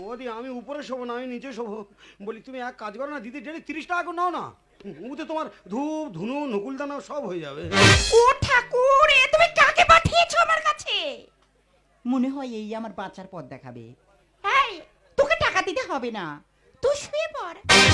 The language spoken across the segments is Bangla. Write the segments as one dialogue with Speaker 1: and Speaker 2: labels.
Speaker 1: ওদি আমি উপরে শোবো না, আমি নিচে শোবো। বলি তুমি এক কাজ করো না দিদি, ডেলি 30 টাকা করে নাও না, উতে তোমার ধূপ ধুনো নকুলদানা সব হয়ে যাবে।
Speaker 2: ও ঠাকুর, এ তুমি কাকে পাঠিয়েছো আমার কাছে? মনে হয় এই আমার বাঁচার পথ দেখাবে। এই, তোকে টাকা দিতে হবে না, তুই শুয়ে পড়।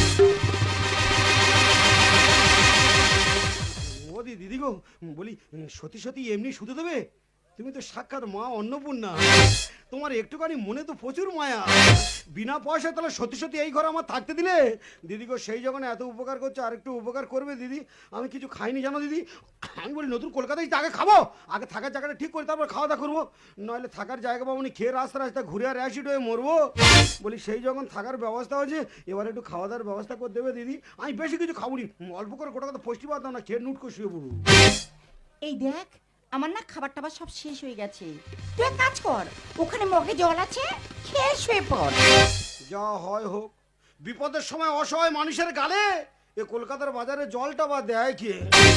Speaker 1: ওদি দিদি গো, বলি সত্যি সত্যি এমনি শুতে দেবে? তুমি তো সাক্ষাৎ মা অন্নপূর্ণা, তোমার একটুখানি মনে তো প্রচুর মায়া। বিনা পয়সায় তাহলে সত্যি সত্যি এই ঘরে আমার থাকতে দিলে? দিদি গো, সেই যখন এত উপকার করছো আর একটু উপকার করবে দিদি। আমি কিছু খাইনি জানো দিদি, আমি বলি নতুন কলকাতায় আগে খাবো, আগে থাকার জায়গাটা ঠিক করে তারপর খাওয়া দাওয়া করবো, নইলে থাকার জায়গা পাবো নি, খেয়ে রাস্তা রাস্তা ঘুরে আর অ্যাসিড হয়ে মরবো। বলি সেই যখন থাকার ব্যবস্থা হয়েছে, এবার একটু খাওয়া দাওয়ার ব্যবস্থা করে দেবে দিদি। আমি বেশি কিছু খাবো নি, অল্প করে গোটা কথা পুষ্টি পাতাম না, খেয়ে নুট করে শুয়ে পড়বো।
Speaker 2: এই দেখ, আমার না খাবার টাবার সব শেষ হয়ে গেছে। তুই এক কাজ কর, ওখানে মগে জল আছে, খেয়ে শুয়ে পড়।
Speaker 1: যা হয় হোক, বিপদের সময় অসহায় মানুষের গালে এ কলকাতার বাজারে জলটা বা দেয় কে?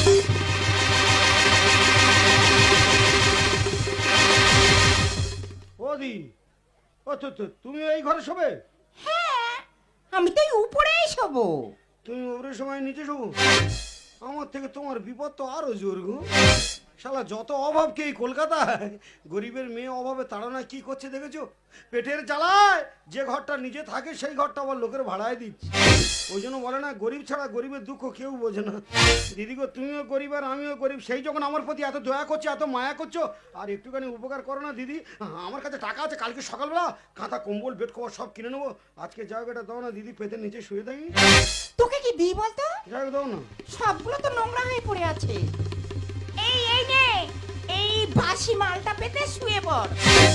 Speaker 1: ওদি, ও তো তুমি এই ঘরে শোবে?
Speaker 2: হ্যাঁ, আমি তো এই উপরেই শোবো।
Speaker 1: তুমি ওপরের সময় নিচে শোবো? আমার থেকে তোমার বিপদ তো আরো জোর গো। শালা যত অভাব কে এই কলকাতায়, গরিবের মেয়ে অভাবে তাড়না কি করছে দেখেছো? পেটের জ্বালায় যে ঘরটা নিজে থাকে সেই ঘরটা আবার লোকের ভাড়ায় দিচ্ছে। ওই জন্য বলে না, গরিব ছাড়া গরিবের দুঃখ কেউ বোঝে না। দিদি গো, তুমিও গরিব আর আমিও গরিব, সেই যখন আমার প্রতি এত দয়া করছো, এত মায়া করছো, আর একটুখানি উপকার করো না দিদি। আমার কাছে টাকা আছে, কালকে সকালবেলা কাঁথা কম্বল বেড কভার সব কিনে নেবো। আজকে জায়গাটা দাও না দিদি, পেটের নিচে শুয়ে থাকি।
Speaker 2: তোকে কি দিই বলতো?
Speaker 1: জায়গা দাও না।
Speaker 2: সবগুলো তো নোংরা হয়ে পড়ে আছে। এই নে, এই বাসি মালটা পেতে শুয়ে পড়।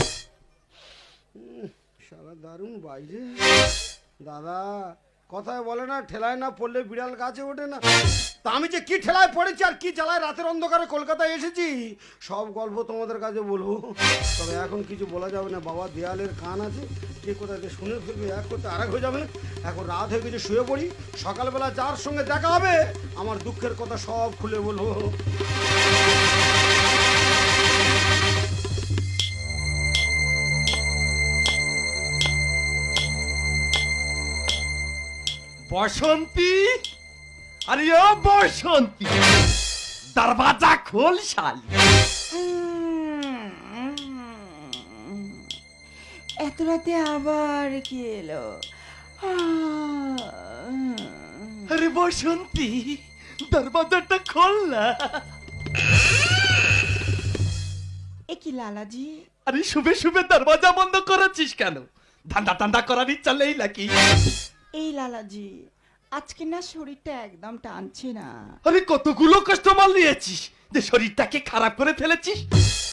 Speaker 1: শালা দারুণ বাইরে। দাদা, কথায় বলে না, ঠেলায় না পড়লে বিড়াল গাছে ওঠে না। তা আমি যে কি ঠেলায় পড়েছি আর কি জ্বালায় রাতের অন্ধকারে কলকাতায় এসেছি, সব গল্প তোমাদের কাছে বলবো। তবে এখন কিছু বলা যাবে না, বাবা দেয়ালের কান আছে, কে কোথায় যে শুনে ফেলবে, এক করতে আরেক হয়ে যাবে। এখন রাত হয়ে গেছে, শুয়ে পড়ি, সকালবেলা যার সঙ্গে দেখা হবে আমার দুঃখের কথা সব খুলে বলবো।
Speaker 3: বসন্তী, আরে ও বসন্তী, দরवाजा खोल শালি।
Speaker 2: এত রাতে আবার কি এলো?
Speaker 3: আরে বসন্তী, দরवाजाটা খোল না।
Speaker 2: এ কি লালাজি?
Speaker 3: আরে শুবে শুবে দরवाजा বন্ধ করেছিস কেন? ধান্দা টান্দা করার ইচ্ছা নেই নাকি?
Speaker 2: এই লালাজি, আজকে না শরীরটা একদম টানছে না।
Speaker 3: আরে কতগুলো কাস্টমার নিয়েছিস যে শরীরটাকে খারাপ করে ফেলেছিস?